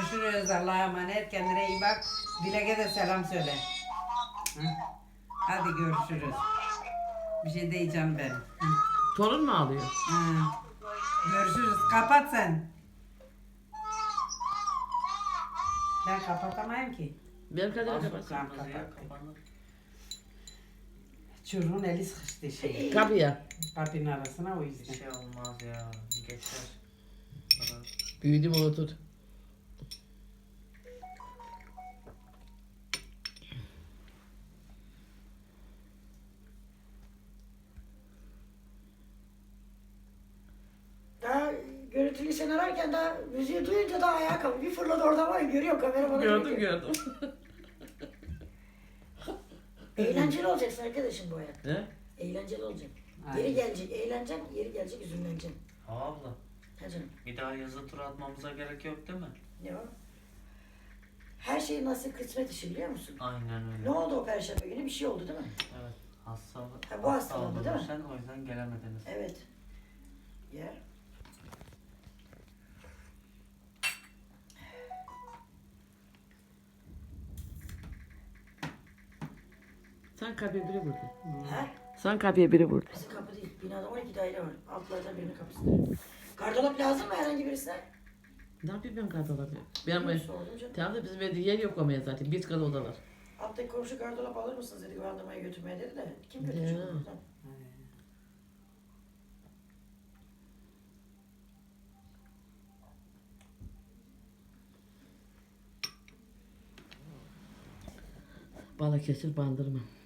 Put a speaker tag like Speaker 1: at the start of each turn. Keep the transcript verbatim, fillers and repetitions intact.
Speaker 1: görüşürüz. Allah'a emanet. Kendine iyi bak. Dilek'e de selam söyle. Hı? Hadi görüşürüz. Bir şey diyeceğim ben. Hı.
Speaker 2: Torun mu ağlıyor?
Speaker 1: Hı. Görüşürüz. Kapat sen. Ben kapatamayım ki.
Speaker 2: Ben kadar
Speaker 3: Nasıl
Speaker 2: kapat.
Speaker 3: kırmızı ya kapanır.
Speaker 1: Çocuğun eli sıkıştı şey.
Speaker 2: Kapıya.
Speaker 1: Kapının arasına o
Speaker 3: Bir
Speaker 1: yüzden.
Speaker 3: şey olmaz ya. Geçer. Bana-
Speaker 2: Büyüdüm unutur.
Speaker 4: Daha görüntülü sen ararken daha müziği duyunca daha ayağa kalktı. Bir fırladı oradan var ya, görüyorum kamera bana.
Speaker 2: Gördüm
Speaker 4: çekiyor.
Speaker 2: gördüm.
Speaker 4: Eğlenceli olacaksın arkadaşım bu hayat.
Speaker 2: He?
Speaker 4: Eğlenceli olacak.
Speaker 1: Aynen.
Speaker 4: Yeri gelecek eğleneceksin, yeri gelecek üzümleneceksin.
Speaker 3: Abla.
Speaker 4: Ha canım,
Speaker 3: Bir daha yazı tura atmamıza gerek yok değil mi?
Speaker 4: ne o? Her şey nasip kısmet işi biliyor musun?
Speaker 3: Aynen öyle.
Speaker 4: Ne oldu o perşembe günü? Bir şey oldu değil mi?
Speaker 3: Evet. Hastalık.
Speaker 4: Ha, bu hastalandı değil mi?
Speaker 3: Sen o yüzden gelemediniz.
Speaker 4: Evet. Ya.
Speaker 2: Sen kapıya biri vurdu.
Speaker 4: Ha?
Speaker 2: Sen kapıya biri vurdu.
Speaker 4: Bizim kapı değil. Binada on iki daire var. Altlardan birinin kapısı. Gardırop lazım mı herhangi birisine?
Speaker 2: Ne yapayım ben kadın olabilir? Benim ev.
Speaker 4: Sordum canım.
Speaker 2: Tamam da bizim evde yer yok ama zaten. Bir kadın odalar.
Speaker 4: Alttaki komşu gardırop alır mısınız dedi, güvendirmeye götürmeye dedi de. Kim götürecek
Speaker 2: Ya.
Speaker 4: onu buradan?
Speaker 2: Balıkesir Bandırma.